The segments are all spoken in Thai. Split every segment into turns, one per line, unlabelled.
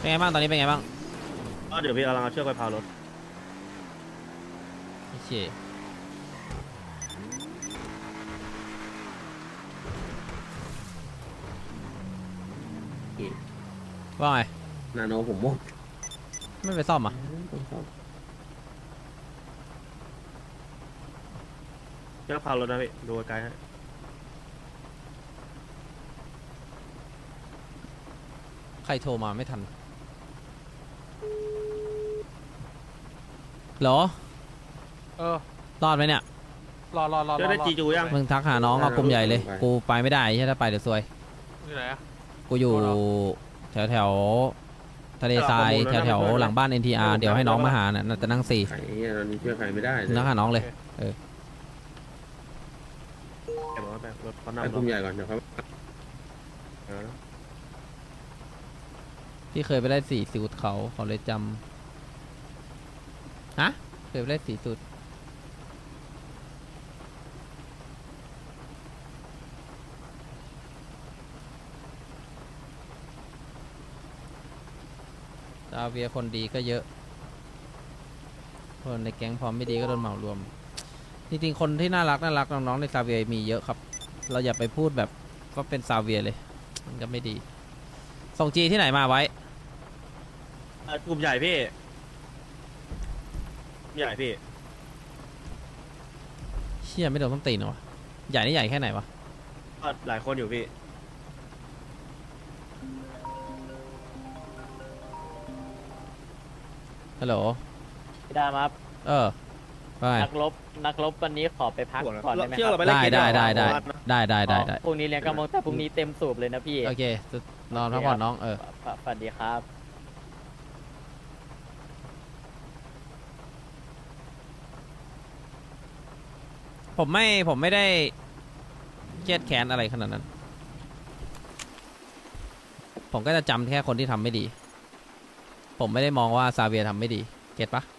เป็นไงบ้างตอนนี้เป็นไงบ้าง
ก็เดี๋ยวพี่กำลังเอาเชือกไปพารถ
โอเคว่าไง
นาโนผมหมด
ไม่ไปซ่อมอ่ะ
เชือกพารถนะพี่ดูไกลๆให้
ใครโทรมาไม่ทันเหรอรอดไหมเนี่ย
รอ
เชือกได้จีจูยัง
มึงทักหาน้องเอากลุ่มใหญ่เลยกูไปไม่ได้ใช่ถ้าไปเดี๋ยวซวย
อยู่ไหนอะ
กูอยู่แถวแถวทะเลทรายแถวแถวหลังบ้าน NTR เดี๋ยวให้น้องมาหาน่ะจะนั่ง4
ใครเนี่ยตอนนี้ช่วยใครไม่ได้เลย
นั่งหาน้องเลย
เก็บไว้แบบรถเขา
ไป
นำ
กลุ่มใหญ่ก่อนเดี๋ยวเขา
พี่เคยไปได้4สูตรเขาเลยจำฮะเคยไปได้4สูตรซาเวียคนดีก็เยอะคนในแก๊งพร้อมไม่ดีก็โดนเหมารวมจริงๆคนที่น่ารักน้องๆในซาเวียมีเยอะครับเราอย่าไปพูดแบบก็เป็นซาเวียเลยมันก็ไม่ดีส่งจีที่ไหนมาไว้
กลุ่มใหญ่พี่ใหญ่พี่
เชี่ยไม่โดนต้นตีนเหรอวะใหญ่นี่ใหญ่แค่ไหนวะ
ก็หลายคนอยู่พี่
ฮัลโหล
พี่ดาครับ
ไป
นักรบวันนี้ขอไปพักก่อนได้ไหม
เชือก
ค
เรา
รับ
ไปเล่นเกม
ได้
อ๋อพรุ่งนี้เรียนกำมงแต่พรุ่งนี้เต็มสูบเลยนะพี่
โอเคนอนพักผ่อนน้อง
สวัสดีครับ
ผมไม่ได้เครียดแค้นอะไรขนาดนั้น ผมก็จะจำแค่คนที่ทำไม่ดี ผมไม่ได้มองว่าซาเวียทำไม่ดีเก็ตปะ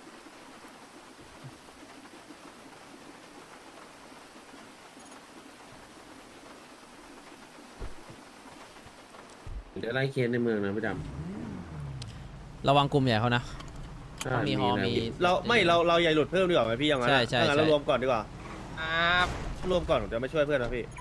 เดี๋ยวไล่เคสในเมืองนะพี่ด
ระวังกลุ่มใหญ่เขานะ
ำ
เขามีฮอมี
เราใหญ่หลุดเพิ่มดีกว่าไหมพี่ยังไง
ใช่
ถ้างั้นเรารวมก่อนดีกว่า
ครับ
รวมก่อนผมจะไม่ช่วยเพื่อนนะพี่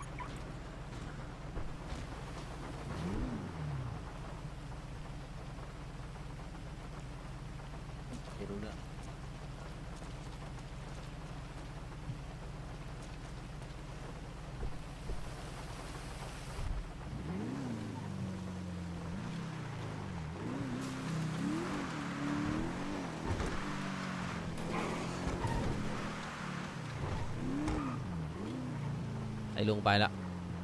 ไอ้ลุงไปละ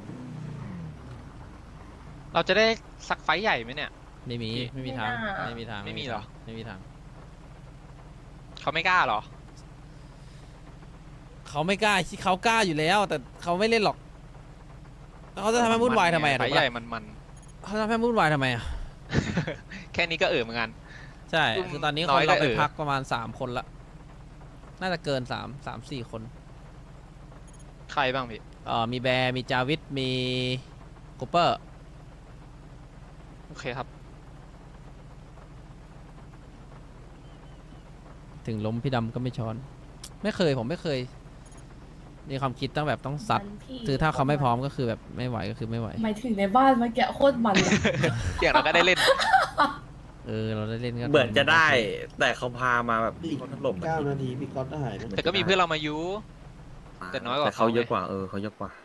เราจะได้สักไฟท์ใหญ่ไหมเนี่ย
ไม่มีทางไม่มีทาง
ไม่มีเหรอ
ไม่มีทาง
เขาไม่กล้าเหรอ
เขาไม่กล้าเขากล้าอยู่แล้ว แต่เขาไม่เล่นหรอกแล้วเขาจะทำให้วุ่นวายทำไมอะ
ไฟ
ถูก
ท์ใหญ่
ปะ
มัน
เขาจะทำให้วุ่นวายทำไมอะ
ๆ แค่นี้ก็เหมือนกัน
ใช่คือตอนนี้
น้
ค
อน ย
เรา
ก็
ไป
เออ
พักประมาณ3 คนละน่าจะเกิน3-4 คน
ใครบ้างพี่
มีแบร์มีจาวิทมีคูเปอร์
โอเคครับ
ถึงล้มพี่ดำก็ไม่ช้อน ผมไม่เคยมีความคิดต้องแบบต้องซัดคือถ้าเขาไม่พร้อมก็คือแบบไม่ไหวก็คือไม่ไหว
หมายถึงในบ้านเมื่อกี้โคตรมันเลย
อย่างเราก็ได้เล่น
เราได้เล่นกัน
เหมือนจะได้ แต่เขาพามาแบบเขาถล่ม
9 นาทีพี่ก๊อตหายนะ
แต่ก็มีเพื่อนเรามายุ แต่น้อยกว่า
แต่เขา
เขาไง
เยอะกว่าเขาเยอะกว่า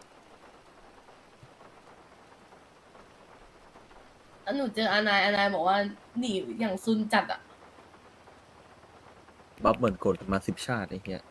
แล้วหนูเจออานายบอกว่าหนีอย่างซุนจัดอ่ะ
บัฟเหมือนกดมา10 ชาติไอ้เหี้ย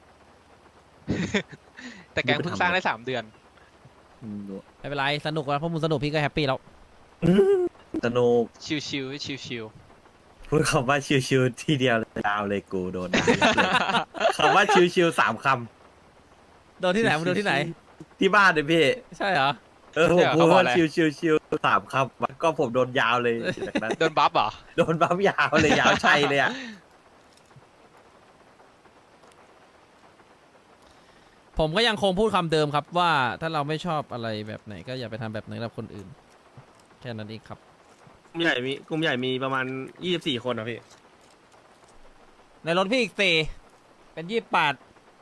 แต่แกงเพิ่งสร้างได้3 เดือน
ไม่เป็นไรสนุกแล้วพวกมึงสนุกพี่ก็แฮปปี้แล้ว
สนุก
ชิวๆชิว
พูดคำว่าชิวๆทีเดียวเลยดาวเลยกูโดนด่ายับเลยคำว่าชิวๆ3 ค
โดนที่ไหนมึงโดนที่ไหน
ำที่บ้านเลยพี่
ใช่เหรอ
ผมพูดว่าชิวๆ3 คำก็ผมโดนยาวเลยจากนั้น
ๆ โดนบัฟเหรอ
โดนบัฟยาวเลยยาวชัยเลยอ่ะ
ผมก็ยังคงพูดคำเดิมครับว่าถ้าเราไม่ชอบอะไรแบบไหนก็อย่าไปทำแบบนั้นกับคนอื่น แค่นั้นเองครับ
กลุ่มใหญ่มีประมาณ24คนนะพี่
ในรถพี่อีกสี่เป็น28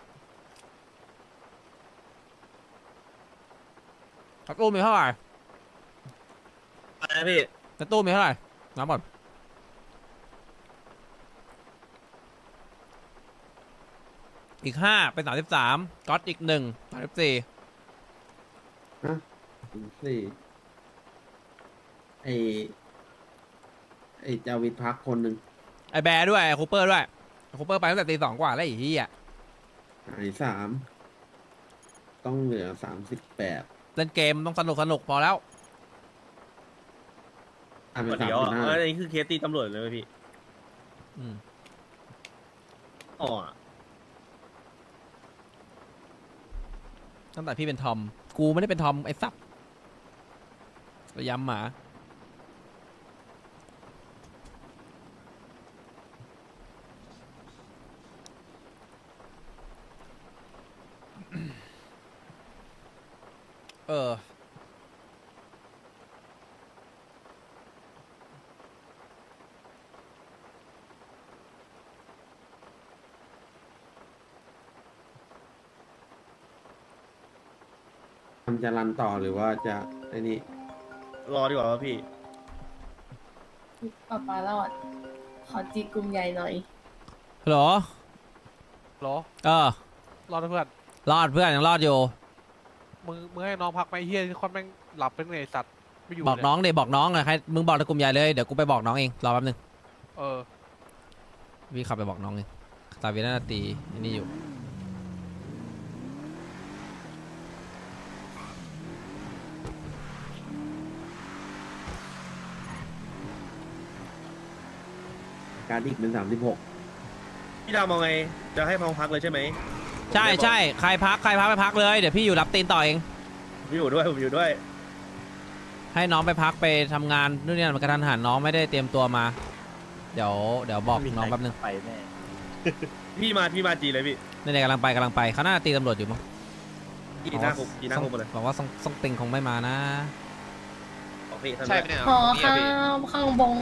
ในตู้มีเท่าไหร่
อะไรนะพี่
ในตู้มีเท่าไหร่นับก่อนอีก5เป็น33ก๊อตอีก1 34
สี่ไอจาวิดพักคนหนึ่ง
ไอแบร์ด้วยไอคูเปอร์ด้วยคูเปอร์ไปตั้งแต่ตี 2กว่าแล้วไอ้เหี้ย
หาย3ต้องเหลือ38
เล่นเกมต้องสนุกพอแล้ว
เป็น
เดี๋ยว
35
อันนี้คือเคสตีตำรวจเลยไหมพี่
อืม
อ๋อ
ตั้งแต่พี่เป็นทอมกูไม่ได้เป็นทอมไอ้สับระยำหมาเออ
มันจะรันต่อหรือว่าจะไอ้นี่
รอดีกว่าพี่
ป้าปารอด ขอจีกลุ่มใหญ่หน่อย
ฮัลโหล
หรอ
เออ
รอดเพื่อน
รอดเพื่อนยังรอดอยู่
มึงให้น้องพักไหมเฮียที่คอนแม่งหลับเป็นไงไอ้สัตว์ไม่อยู่
บอก
เลย
น้องเดี๋ยวบอกน้องอะใครมึงบอกในกลุ่มใหญ่เลยเดี๋ยวกูไปบอกน้องเองรอแป๊บนึง
เออ
พี่ขับไปบอกน้องเองตาเวน่าตีอันนี้อยู่
การดิกเป็น36
พี่ดาวมองไงจะให้พองพักเลยใช่ไหม
ใช่ใช่ใครพักไปพักเลยเดี๋ยวพี่อยู่รับตีนต่อเอง
พี่อยู่ด้วยผมอยู่ด้วย
ให้น้องไปพักไปทำงานนู่นนี่มันกระทันหันน้องไม่ได้เตรียมตัวมา เดี๋ยวบอกน้องแป๊บนึง
ไปแน่
พี่มาจีเลยพี่
นี่ๆกำลังไปเขาน่าจะตีตำรวจอยู่มั้ง
จีหน้าคุกจีหน้าคุกมาเลย
บอกว่าซ่องติงคงไม่มานะ
บอกพี่ท่าน
ใช่ไหมเนี่ย
ขอ
นี่
ข้า
อะพี่
วข้างบง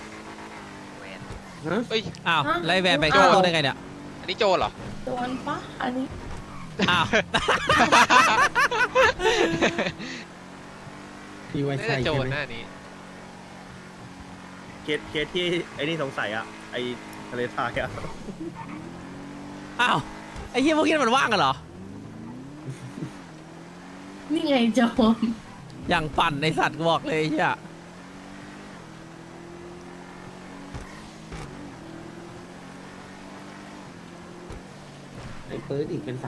เอ้ย
อ้าว
ฮะ
ไล่แวนไปเข้าตู้ได้ไงเนี่ย
อันนี้โจรเหรอ
โดนปะอันนี้
อ้าว
พี่ว่า
น่า
ใช่
จะโจ
ใช่
ร
ไหม
หน้านี้
เคสที่ไอ้นี่สงสัยอะไอ้ทะเลทรายอะ
อ้าวไอ้เหี้ยพวกนี้มันว่างกันเหรอ
นี่ไงโจม
อย่างปั่นในสัตว์กูบอกเลยไอ้เหี้ย
ไอ้ปื๊ดอีกเป็น37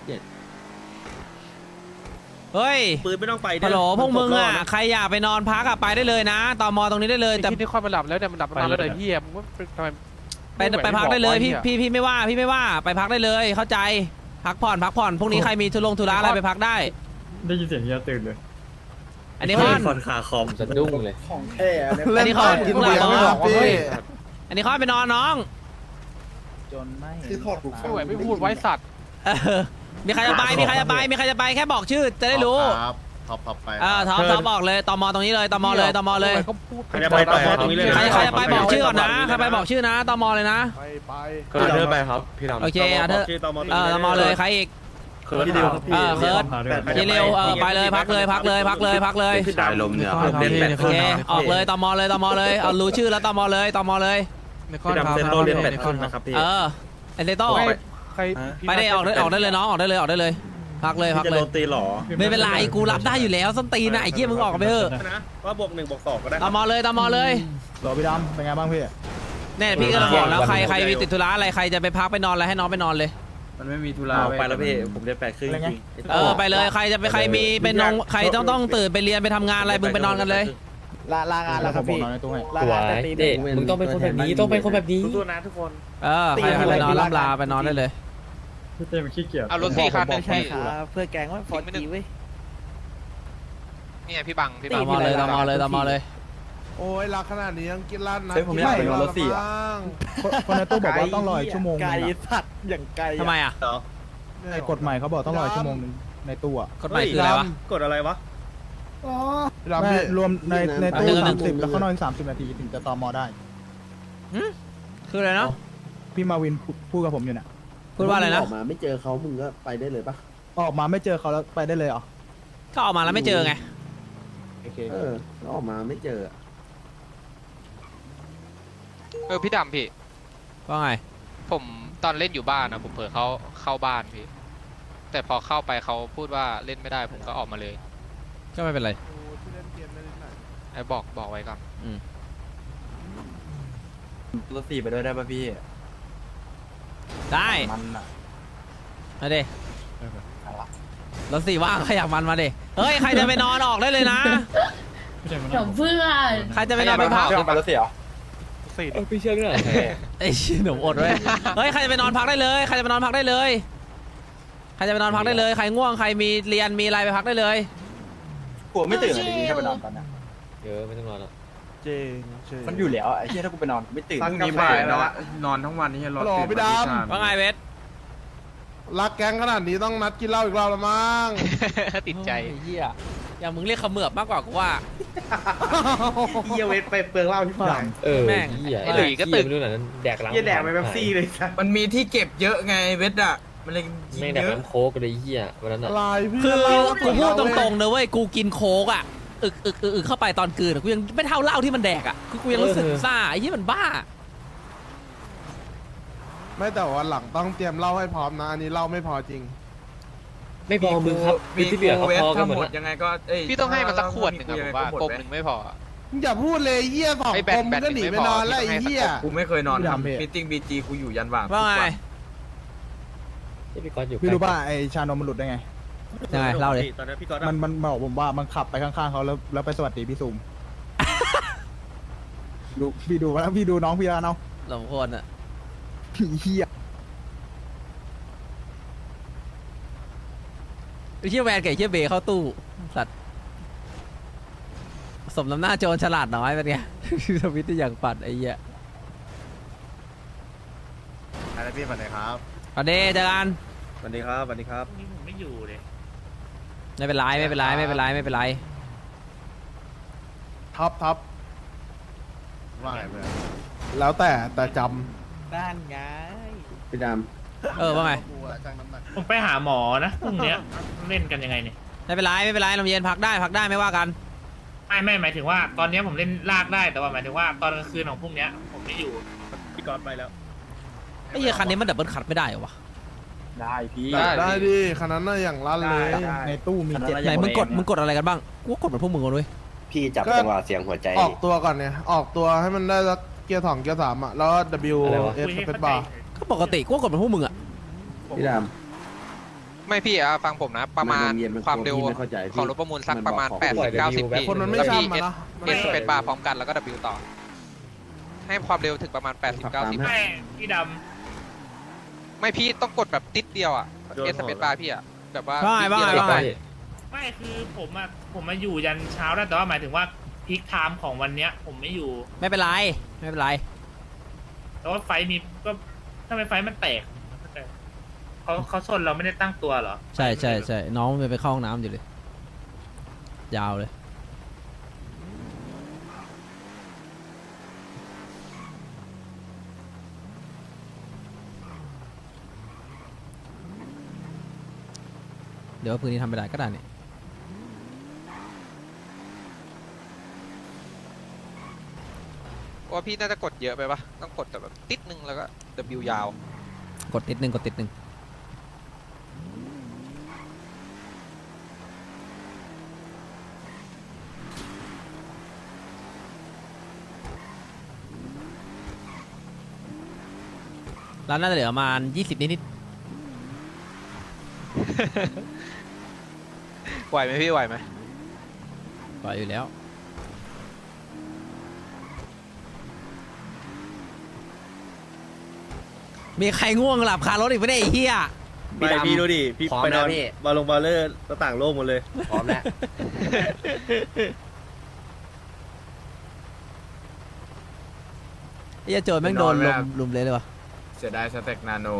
เฮ้ย
ปืนไม่ต้องไป
ฮัลโหลพวกมึงอ่ะใครอยากไปนอนพักอ่ะไปได้เลยนะตมตรงนี้ได้เลย
ไอ้
แต่
ที่คอนมันหลับแล้วเนี่ยมันหลับมานานแล้วเดี๋ยวเฮียมึงว่าทำไม
ไปพักได้เลยพี่ไม่ว่าไปพักได้เลยเข้าใจพักผ่อนพรุ่งนี้ใครมีธุระอะไรไปพักได้
ได้ยินเสียงเฮียตื่นเลย
อันนี้คอน
คนขาคอม
สะดุ้งเลย
อันนี้คอน
กินเบียร์ไม่บอกว่าเฮ้ย
อันนี้คอนไปนอนน้อง
คือถอดหูฟั
ไม่
ง
ไหวไม่พูดไว้สัตว์
เออมีใครจะไปแค่บอกชื่อจะได้รู้
ครับท็อปไป
ท็อปบอกเลยตมตรงนี้เลยตมเลย
ก็พูด
ใครจะไปต่อตรงนี้เลย
ใครจะไปบอกชื่อก่อนนะใครไปบอกชื่อนะตมเลยนะ
ไป
เดินไปครับพี่ดำ
โอเคเธอ
ชื่อตม
ตมเลยใครอีก
พี่ดิวครับพี่
เคิร์ด ยีเร็วไปเลยพักเลย
ชายลมเนี่ยเล่นแบต
โอเคออกเลยตมเลยเอารู้ชื่อแล้วตมเลย
พี่ดำเซนโลเล่นแบตขึ้นนะครับพี่
เอเซโต้
ใคร
ไปได้ออกได้เลยน้องออกได้เลยพักเลย
พี่จะโดนตีหรอ
ไม่เป็นไรกูรับได้อยู่แล้วส้นตีนนะไอ้เหี้ยมึงออกไปเถอะ
นะว่าบวก1บวก2ก็ได้
ตมเลย
รอพี่ดำเป็นไงบ้างพี่
เนี่ยพี่ก็บอกแล้วใครมีติดธุระอะไรใครจะไปพักไปนอนอะไรให้น้องไปนอนเลย
มันไม่มีธุระ
ไปแล้วพี่ผมจะแปดครึ่งจริง
ไปเลยใครจะไปใครมีเป็นนงใครต้องตื่นไปเรียนไปทำงานอะไรมึงไปนอนกันเลย
ลางานแล้วครับพี่
เด็กมึงต้องเป็นคนแบบนี้ต้องเป็นคนแบบนี้
สู้ๆนะทุกคน
ใครไปนอนล่ำลาไปนอนได้เลย
พี่เต้มันขี้เกียจ
เอารถสี่คันเลยพี่
เพื่อแกงว่าพอดีเว้ย
นี่ไงพี่บัง
ตมเลย
โอ้ยรักขนาดนี้ยังกินร้านนะ
ผมอยากไปนอนรถสี่
คนในตู้บอกว่าต้องรออีกชั่วโมง
ไกลสัตว์อย่างไกล
ทำไมอ่ะ
เหรอ
ไอ้กฎใหม่เขาบอกต้องรอชั่วโมงนึงในตู้อ่ะ
กฎหมายคืออะไรวะ
กดอะไรวะ
แม่รวมในตู้
หนึ่ง
30 แล้วก็นอน30 นาทีถึงจะตอมอได้
คืออะไรนะ
พี่มาวินพูดกับผมอยู่น่ะ
พูดว่าอะไรนะ
ออกมาไม่เจอเขามึงก็ไปได้เลยปะ
ออกมาไม่เจอเขาแล้วไปได้เลยเหรอ
ก็ออกมาแล้วไม่เจอไง
โอเค
แล้วออกมาไม่เจอ
พี่ดำพี่
ว่าไง
ผมตอนเล่นอยู่บ้านนะผมเผลอเข้าบ้านพี่ แต่พอเข้าไปเขาพูดว่าเล่นไม่ได้ผมก็ออกมาเลย
ก็ไม่เป็นไร
ไอ้บอกไว้ก่อน
รถสี่ไปด้วยได้ป่ะพี่
ได้
มันอ่ะ
มาดิรถสี่ว่างใครอยากมันมาดิเฮ้ยใครจะไปนอนออกได้เลยนะ
เดี๋ยวเพื่อน
ใครจะไปนอนไปพัก
สี่
ไอ้ชี้หนุ่มอดไว้เฮ้ยใครจะไปนอนพักได้เลยใครจะไปนอนพักได้เลยใครจะไปนอนพักได้เลยใครง่วงใครมีเรียนมีอะไรไปพักได้เลย
กลัวไม่ตื่นเลยแค่ไปนอนตอนนี้
จริง
มันอยู่แล้วไอ้เหี้ยถ้ากูไปนอนไม่ตื่น
ตั้งนี้บ่ายแล้วนอนทั้งวันนี่รอตื่นไม่ได้
ว่าไงเวท
รักแก๊งขนาดนี้ต้องนัดกินเหล้าอีกรอบละมั้ง
ติดใจ
โอ้ยเฮียอย่างมึงเรียกเขมือบมากกว่ากูว่า
เฮียเวทไปเปลืองเหล้าที่ผ่าน
แม่ง
ไอ้หลุยก็ตึก
เฮียแดกไปแบบซี่เลยสัส
มันมีที่เก็บเยอะไงเวทอ่ะมันเลยกินเยอะ
อะไรพี่
คือกูพูดตรงๆนะเว้ยกูกินโค้กอ่ะอึกเข้าไปตอนกลืนอะกูยังไม่เท่าเหล้าที่มันแดกอ่ะคือกูยังรู้สึกซ่าไอ้เหี้ยมันบ้า
ไม่แต่ว่าหลังต้องเตรียมเหล้าให้พร้อมนะอันนี้เหล้าไม่พอจริง
ไม่พอมึงครับมีที่เหลือเขาพอกันหมดยังไงก็เ
พี่ต้องให้มันสักขวดหนึ่งอะผมว่ากลมหนึ่งไม่พออะ
มึงอย่าพูดเลยเหี้ยสอง
ไอ้
ค
แบต
มมึงก็หนีไปนอนแล้วไอ้เหี้ย
กูไม่เคยนอน
พี่ดำพี่
มีติ้งบีจีกูอยู่ยันว่าง
ว่าไง
พี่รู้ป่ะไอชานมมันหลุดได้ไง
ยังไงเล่าเลย
ตอนนั้นพี่ก๊อต
มันบอกผมว่ามันขับไปข้างๆเขาแล้วไปสวัสดีพี่ซูม ดูพี่ดูแล้วพี่ดูน้องพี่แล้วเนาะ
สมควรอ่ะ
เหี้ย
ไอ้เชี่ยแวนกับไอ้เชี่ยเบย์เข้าตู้สัตว์สมน้ำหน้าโจรฉลาดน้อยเป็นไง ทวิตที่อย่างปัดไอ้เหี้ย
อะไรพี่ฝันไหนครับ
เอาเดเจอกัน
สวัสดีครับสวัสดีครับ
ไม่เป็นไรไม่เป็นไรไม่เป็นไรไม่เป็นไร
ท็อปว่าไงเพื่อนแล้วแต่จ
ด้านไง
พี่ด
ว่าไง
ผมไปหาหมอนะพรุ่งเนี้ยเล่นกันยังไงเนี่ย
ไม่เป็นไรไม่เป็นไรลมเย็นพักได้ไม่ว่ากัน
ไม่หมายถึงว่าตอนเนี้ยผมเล่นลากได้แต่ว่าหมายถึงว่าตอนกลางคืนของพรุ่งเนี้ยผมไม่อยู่
พี่ก๊อตไปแล้ว
ไอ้เหี้ยคันนี้มันดับเบิลคัทไม่ได้เหรอวะ
ได้พี่
ำได้ดิขนาดนั้นอย่างลั่นเลย ในตู้มี7
ไหนมึงกดอะไรกันบ้างกูก็กดเหมือนพวกมึงกันด้วย
พี่จับจังหวะเสียงหัวใจ
ออกตัวก่อนเนี่ยออกตัวให้มันได้สักเกียร์2เกียร์3อ่ะแล้ว W
คุย
S
ให้
เป็
เข้าน ใจ
บาร์
ก็ปกติกูก็กดเหมือนพวกมึงอ่ะ
พี่ด
ไม่พี่อะฟังผมนะ ประมาณ
มันเย็นมัน
ความเร็ว
พี่ไม่เข้าใจพี่
ของรถประมูลสัก
มัน
ประมาณ
บอก
80-90 พี่
คนมันไม่
แล้วพี่
ช่ำอะนะ
เอสเป็นบาร์พร้อมกันแล้วก็ W ต่อ ให้ความเร็วถึงประมาณ 80-90
ไม่พี่ด
ไม่พี่ต้องกดแบบติดเดียวอ่ะเอสเป็นบาร์พี่อ่ะแบบว่า
ว่าไง
ำไม่คือผมมาอยู่ยันเช้าได้แต่ว่าหมายถึงว่าพีคไทม์ของวันเนี้ยผมไม่อยู่
ไม่เป็นไรไม่เป็นไร
แต่ว่าไฟมีก็ทำไมไฟมันแตกเขาชนเราไม่ได้ตั้งตัวเหรอ
ใช่น้องมันไปเข้าห้องน้ำอยู่เลยยาวเลยเดี๋ยวพื้นที่ทำไม่ได้ก็ได้นี่
ว่าพี่น่าจะกดเยอะไปปะต้องกดแต่แบบติดนึงแล้วก็ W ยาว
กดติดหนึ่งร้านน่าจะเหลือประมาณ20นิด
ไหวไหมพี่ไหวไหม
ปล่อยอยู่แล้วมีใครง่วงหลับคารถอีกไม่ได้ไอ้เหี้ย
ไม่พี่ดูดิพี่ไปนอนบาลงบาเลอร์ต่างโลกหมดเลย
พร้อมแล้ว
ไอ้เหี้ยโจรแม่งโดนลุมเลยเลยวะ
เสียดายสเต็กนาโน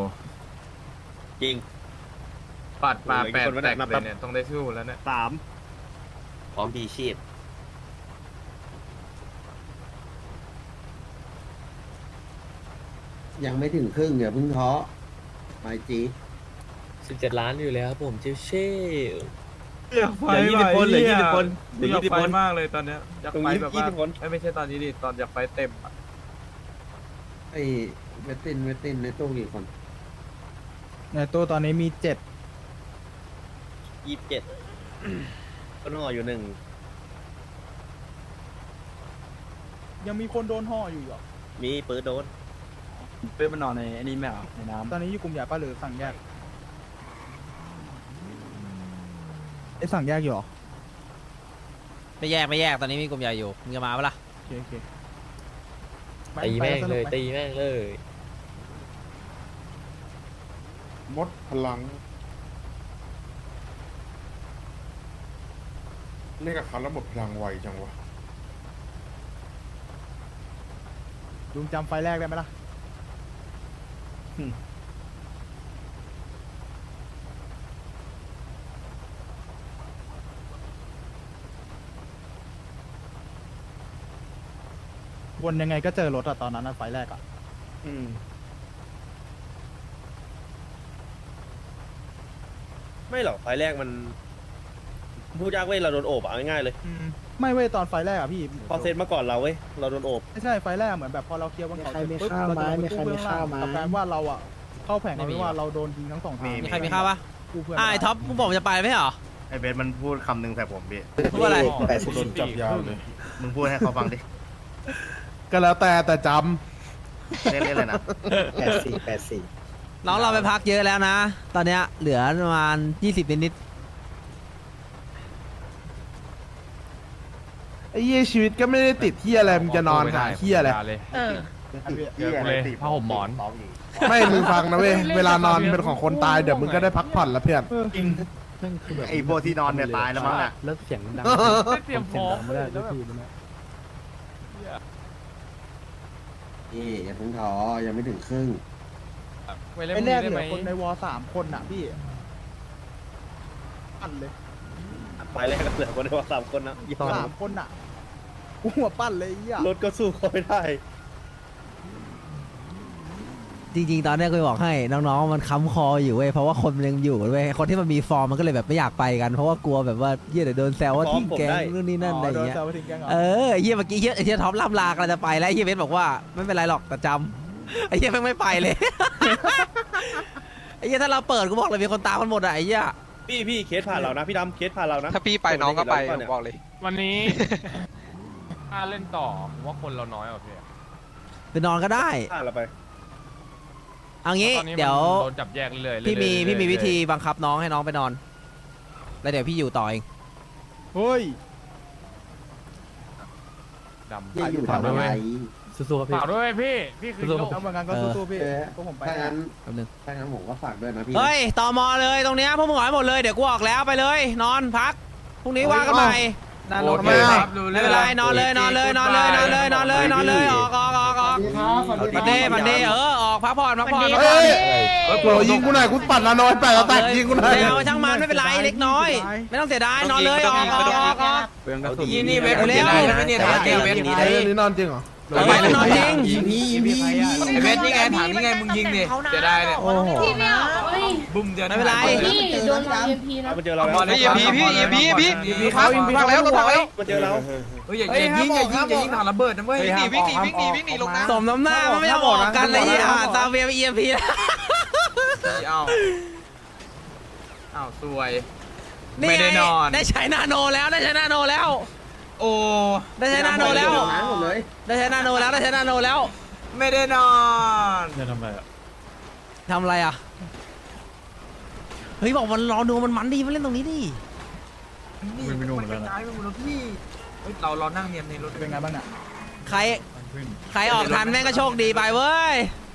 จริง
ปัดมา
โอ้ย
8
คนวัน
แต
ไหน
ก
มา
เล
แป๊
ย
บ
เนี่ยต้องได้สู้แล้วเนี่ย
3
พร้อมพีชีพ
ยังไม่ถึงครึ่งอย่าเพิ่งท้อไมจี
17 ล้านอยู่แล้วผมเชี่ยว
เหลือ20 คนเหลือ20 คนเหลือ20 คน
มากเลยตอนเนี้ยอยาก
ตรง
ไป
นี้
แบบว่า
20 คน
ไม่ใช่ตอนนี้ดิตอนอยากไปเต็มอะ
ไอ้เวตตินในตู้กี่คน
ในตู้ตอนนี้มี
27ต้นห่ออยู่1
ยังมีคนโดนห่ออยู่เหรอ
มีปืนโดน
เพื่อนมันนอนในอันนี้แมวในน้ำ
ตอนนี้อยู่กลุ่มใหญ่ป่ะหรือสั่งแยกไอ้สั่งแยกอยู่เหรอ
ไม่แยกตอนนี้มีกลุ่มใหญ่อยู่มึงจะมาปะล่ะ
โอเค
ตีแม่งเลยตีแม่งเลย
มดพลังเล่นกับเขาแล้วหมดพลังไวจังวะลุงจำไฟแรกได้ไหมล่ะวนยังไงก็เจอรถอะตอนนั้นอะไฟแรกอะ
ไม่หรอกไฟแรกมันพูดยากเว้ยเราโดนโอบอ่ะง่ายๆเลย
ไม่เว้ยตอนไฟแรกอะพี่
พอเซตมาก่อนเราเว้ยเราโดนโอบ
ไม่ใช่ไฟแรกเหมือนแบบพอเราเคลียร์บนเขาเสร็จปุ๊บเราจะลงไปกู้เบื้องล่างกับการว่าเราอะเข้าแผงเอาไว้ว่าเราโดนยิงทั้งสองทาง
มีใครมีข้าวปะ
กู้เพื่อน
ไอ้ท็อปมึงบอกมึงจะไปไม่เหรอ
ไอเบสมันพูดคำหนึ่งใส่ผมพี่
พูดอะไร
โดนจับยาวเลย
มึงพูดให้เขาฟังดิ
ก็แล้วแต่จ
เล่นเลยนะ
น้องเราไปพักเยอะแล้วนะ ตอนเนี้ยเหลือประมาณ20นิด
ไอ้เหี้ยชีวิตก็ไม่ได้ติดเหี้ยอะไรมึงจะนอนหาเหี้ยอะไร
เออ
ผ้าห่มหมอน
ไม่มึงฟังนะเว้ยเวลานอนเป็นของคนตายเดี๋ยวมึงก็ได้พักผ่อนแล้วเพื่อน
ไอพวกที่นอนเนี่ยตายแล้วมั้งน่ะ
แล้วเสียงดัง
เตรียมพร้อม
ไม่ได้ทุกที
นี่อย่าเพิ่งท้อยังไม่ถึงครึ่ง
ไปเล่น
ไอ้
พรุ่ง
แร
นี้
ก
ได้
เห
ไห
ลื
ม
อคนในวอ3 คนอ่ะพี่ปั้นเลย
ไฟแรกก็เหลือคนได้ว่า3 คนนะ
3 คนอ่ะกูหัวปั้นเลยไอ้เหี้ย
รถก็สู้เขาไม่ได้
ๆจริงๆ ตอนเนี้ยกูจะบอกให้น้องๆมันค้ำคออยู่เว้ยเพราะว่าคนมันยังอยู่เว้ยคนที่มันมีฟอร์มมันก็เลยแบบไม่อยากไปกันเพราะว่ากลัวแบบว่าเหี้ยเดี๋ยวโดนแซวว่าทิ้งแกงนู่นนี่นั่นอะไรอย่างเงี้ย
โดนแซวไปถึงแกงเหรอ
เออไอ้เหี้ยเมื่อกี้ไอ้เหี้ยท็อปล่ำลากันจะไปแล้วไอ้เหี้ยเบสบอกว่าไม่เป็นไรหรอกแต่จำไอ้เหี้ยแม่งไม่ไปเลย ไอ้เหี้ยถ้าเราเปิดกูบอกเลยมีคนตามมันหมดอะไอ้เหี้ย
พี่เคสผ่านเรานะพี่ดำเคสผ่านเรานะ
ถ้าพี่ไปน้องก็ไปผมบอกเลย
วันนี้ ถ้าเล่นต่อผมว่าคนเราน้อยกว่าพี่
ไปนอนก็ได้
ผ่านเราไป
เอางี้
ตอนนี้มัน
เดี๋ยว
โดนจับแยกเรื่อยๆ
พี่มี
เรื่อยๆ
พี่มีวิธี
เรื่อย
บังคับน้องให้น้องไปนอน แล้วเดี๋ยวพี่อยู่ต่อเอง
เฮ้ย
ๆดำ
อย่าอยู่ทำอะไร
สู้ๆครับพี่
ฝากด้วยพี่คือโลก
แล้วเหมือนกันก็สู้ๆพี่
เออ
พวกผมไป
ถ้างั้น
แป๊บนึง
ผมก็ฝากด้วยนะพี่
เฮ้ยต่อมอเลยตรงเนี้ยพวกมึงหอยหมดเลยเดี๋ยวกูออกแล้วไปเลย นอนพักพรุ่งนี้ว่ากันใหม่
โอเคครับดู
ไม่เป็นไรนอนเลยนอนเลยนอนเลยนอนเลยนอนเลยนอนเลยออกมันเด้ออกพักผ่อนพักผ่อน
เฮ้ยโหยิงกูหน่อยกูปัดละน้อยแปดละแตกยิงกูหน่อย
ไม่เอาช่างมันไม่เป็นไรเล็กน้อย ไม่ต้องเสียดายนอนเลยออก
เปลืองกระสุน
นี่เว็บเร็ว
ไอ้เรื่องนี้นอนจริงเหรอ
ไปนอนจริง
ไอเวทนี่ไงถามนี่ไงมึงยิงดิจะได้เนี่ย
โอ้โห
พี่ไม่เอาเอ้ย
บุ้มเจอ
ไม่เป็นไร
พี่โดนวาง EMP นะ
มันเจอเราแล้ว
พี่ฟังแล้ว
มันเจอเรา
เฮ้ยอย่ายิงถังระเบิดนะเว้ย
วิ่งหนีลงน้ำ
สมน้ำหน้ามันไม่ยอมออกกันเลยซาเวียไป EMP แล้ว
อ้าวสวย
นี่
ไม่ได้นอน
ได้ใช้นาโนแล้วได้ใช้นาโนแล้ว
โอ้
ได้ใช้นาโนแล้ว
หมดเลย
ได้ใช้นาโนแล้วได้ใช้นาโนแล้ว
ไม่ได้นอน
ทำอะไรอ่ะเฮ้ยบอกมันรอดูมันดีมาเล่นตรงนี้ดิ
มันกระจายไปหมดแล้วพี่เรานั่งเนียนในรถ
เป็นไงบ้างเนี่ย
ใครออกทันแม่งก็โชคดีไปเว้ย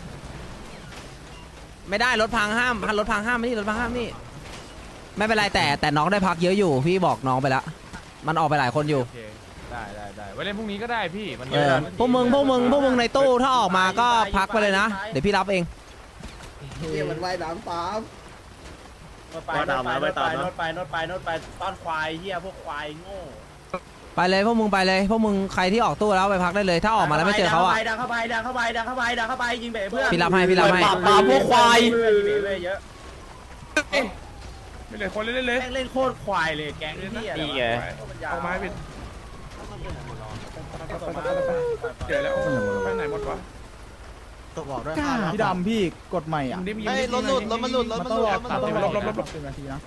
ไม่ได้รถพังห้ามรถพังห้ามไม่นี่รถพังห้ามนี่ไม่เป็นไรแต่น้องได้พักเยอะอยู่พี่บอกน้องไปแล้วมันออกไปหลายคนอยู่
โอเคได้ไว้เล่นพรุ่งนี้ก็ได้พี่มัน
พวกมึงในตู้ถ้าออกมาก็พักไปเลยนะเดี๋ยวพี่รับเอง
เฮียมันว่ายน้ำตาม
ไปตามนะไปตามนะ
โน้ตไปต้อนควายเฮียพวกควายโง่
ไปเลยพวกมึงไปเลยพวกมึงใครที่ออกตู้แล้วไปพักได้เลย ถ้าออกมาแล้วไม่เจอเขาอะ
ดังเข้าไปดังเข้าไปดังเข้าไปดังเข้าไปยิงเบะเพื่อน
พี่รับให้พี่รับให้
ปาพวกควายยิงเบะเยอะ
ไม่เลยคนเล่นเลย
แม่งเล่นโคตรควายเลยแก๊งนี่นี่ไง
ออกมาให้เป็นเดี๋ยวแล้วไปไหนหมดวะ
พี่ดำพี่กดใหม่อ่ะ
ไอ้รถหลุดรถมันหลุดรถ
มัน
มัน
ต้อง
ห
ร
ลุ
อ
ด
10 นาทีนะ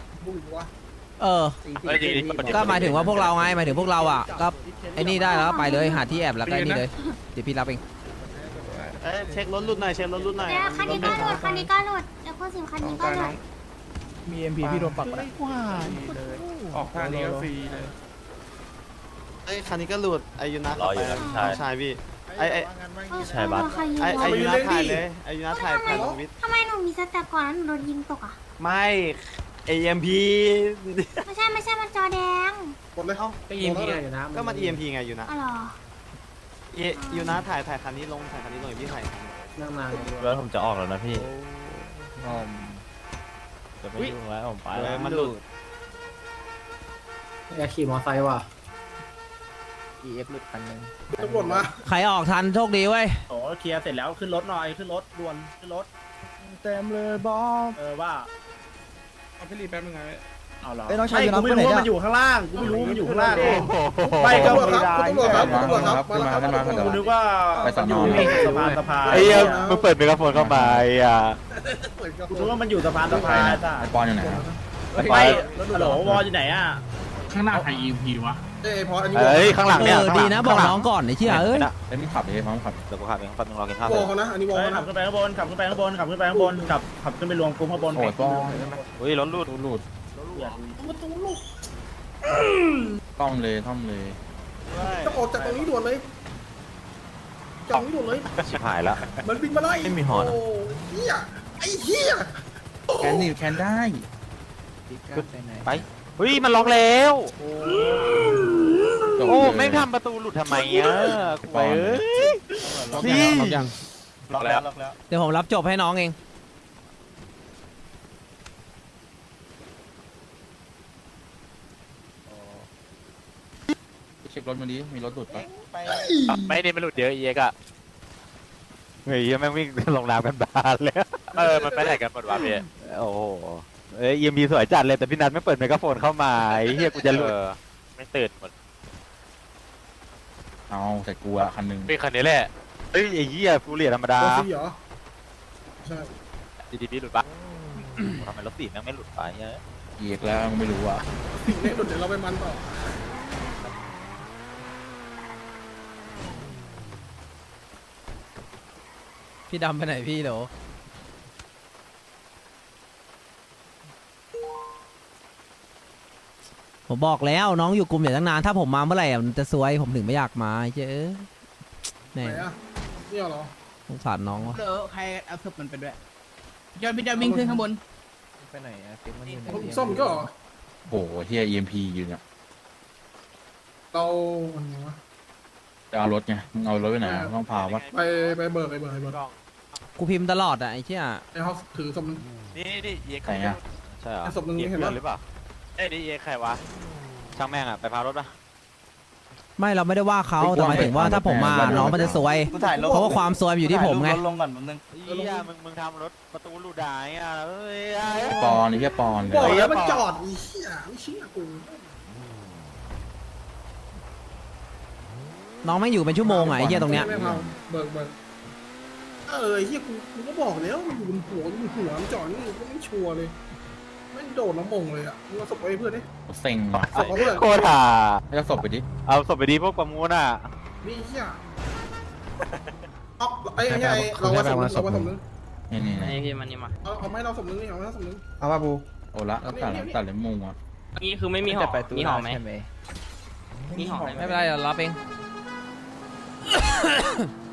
ก็หมายถึงว่าพวกเราไงหมายถึงพวกเราอ่ะก็ไอ้นี่ได้แล้วไปเลยหาที่แอบแล้วก็ไอ้นี่เลยเดี๋ยวพี่รับเอง
เช็ครถหลุดหน่อยเช็ครถหลุดหน่อย
เดี๋ยวคันนี้ก็หลุดคันนี้ก็หลุดเดี๋ยวพูดถึงคันนี้ก็หลุด
มี MP พี่โดนปักไป
ออกทางนี้ก็ฟรีเลย
เอ้ยคันนี้ก็หลุดไอยูนัท
รออยู่นะพี่ชาย
ใช่พี่ไอ
ใช่บัส
ไอยูนัทถ่ายเลยไอยูนัทถ่ายผ่านวิทย์
ทำไมหนูมีสแตปก่อนแล้วหนูโดนยิงตกอ่ะ
ไม่EMP
ไม่ใช่มันจอแดง
ก็EMP ไงอยู่นะก็มัน EMP ไงอยู่นะ
อ๋อเหรอ
ยูนัทถ่ายคันนี้ลงถ่ายคันนี้ลงพี่ถ่าย
แล้วผมจะออกแล้วนะพี่จะไม่ยุ่งแล้วผมไปแล้ว
มันหลุด
อยากขี่มอไซค์ว่ะ
ตำรวจมา
ใครออกทันโชคดีเว้ย
โอ้เคลียร์เสร็จแล้วขึ้นรถหน่อยขึ้นรถด่วนขึ้นรถ
เต็มเลยบอส
ว่า
เอาพี่รีแป๊บนึงไง
เอาเหรอ
เอ้ยน้องชาย
ไม่
อยู่นะ
กูไม่รู้
ไปไหน
ว่า
เนี่ย
มันอยู่ข้างล่างกูไม่รู้มันอยู่ข้างล่างไม่ก็
ตำรวจครับตำรวจครับตำรวจครับมาแล้วครับ
กูนึกว่ามันอยู่สะพานสะพาน
ไอ้เหี้ยมึงเปิดไมโครโฟนเข้ามาไอ้อ่ะ
กูนึกว่ามันอยู่สะพานสะพานจ้ะ
ปอนอยู่ไหน
ไม่ฮัลโหลวอลอยู่ไหนอ่ะ
ข้างหน้าใคร EMP วะ
พออันนี้
เอ้ยข้างหลังเนี่ย
ดีนะบอกน้องก่อนไอ้เชี่ยเอ้ย
เอ้ยมึงขับเลยพร้อมขับ
เดี๋ยวกูขับเองแป๊บนึงรอกินข้าว
วอลเขานะอันนี้วอล
ขั
นะ
บขึ้นไปข้างบนขับขึ้นไปข้างบนขับขึ้นไปข้างบนขับขึ้นไปรวมกลุ่มข้างบน
โอ้ยปอน
เฮ้ยรถรูด
หลุดต้อมเลย
ต้องออกจากตรงนี้ด่วนเลยจากตรงนี้ด่วนเลย
ชิบหายแล้ว
มันบินมาไล่
ไม่มีหอนอะ
โอ้เฮียไอ้เฮีย
แคนนี่แคนได้
ไปเฮ้ยมันล็อกแล้วโอ้ไม่ทำประตูหลุดทำไมอ่ะไปเอ้ย นี่ ล็อกแล้ว
เดี๋ยวผมรับจบให้น้องเอง
เช็ครถมาดิมีรถหลุดปะ
ไม่ได้มันหลุดเยอะเยกอะเฮ้ยแม่งวิ่งลงน้ำกันบานเลยมันไปไหนกันหมดวะพี่โอ้โหเอ้ยEMPสวยจัดเลยแต่พี่นัทไม่เปิดไมโครโฟนเข้ามาไอ้เฮียกูจะหลุดไม่ตื่นหมด
เอาใส่กูอะคันหนึ่ง
เป็นคันนี้แหละเฮ้ยไอ้เหี้ยฟูเรียธรรมดา
โอซีเหรอใช่
ดีๆหลุดปะทำไมรถสีแม่งไม่หลุดไปเนี่ย
เหยียกแล้วไม่รู้อะ
สิ่งนี้เดี๋ยวเราไปมันต่อ
พี่ดำไปไหนพี่เดี๋ยวผมบอกแล้วน้องอยู่กลุ่มอย่างตั้งนานถ้าผมมาเมื่อไหร่อะมันจะซวยผมถึงไม่อยากมาเจ้อแม่
ไหนอะเนี่ยเหรอ
สงสารน้องวะ
ใครเอาศพมันไปด้วยยอดพี่จะวิ่งขึ้นข้างบน
ผมซ่อมก็เหรอ
โอ้โหเฮีย EMP อยู่เนี่ย
เราอันนี้วะ
จะเอารถไงมึงเอารถไปไหนอะต้องพาวะ
ไปเบิกไปเบิกไปเบิก
กูพิมพ์ตลอดอะไอ้เชี่ย
ไอ้เขาถือศพนึง
นี่เยก
ไหนอะ
ใช่เหรอ
ไอ้ศพนึงเห็นปะ
หรือเปล่าเอ้ยนี่เยกใครวะช่างแม่งอะไปพารถปะ
ไม่เราไม่ได้ว่าเขาแต่หมายถึงว่าถ้าผมมาน้องมันจะซวยเพราะว่าความซวยมันอยู่ที่ผมไง
ลงก่อนผมนึง
เฮียมึงทำรถประตูหลุดได้อะเอ้ย
ปอนนี่แค่ปอน
บอก
เลย
แล้วมันจอดอีเหี้ยไม่เชื่อกู
น้องไม่อยู่เป็นชั่วโมงอะไอ้เหี้ยตรงเนี้ย
ไม่พาเบิกเหี้ยกูก็บอกแล้วมันอยู่บนหัวมันจอดนี่ก็ไม่ชัวร์เลยไม่โดดน้ำมงเลยอ่ะมึงเอาศพไปให้เพื่อนดิ
เซ็งว่ะ
ศพเอาเพื่อน
โคตรห่า
ให้เอาศพไปดิ
เอาศพไปดีพวกประมูลอ่ะ
นี่เหี้ยเอาไอ้เราว่าศพนึง
นี่นี่
ไอพี่มันนี่มา
เอาไม่เราศพนึงนี่เอาไม่เราศพนึง
เอาว่าบูโอ้ละตัดเลยมุงอ่ะ
นี่คือไม่มีหอมีหอไหมมีหอไหม
ไม่เป็นไรเดี๋ยวรับเอง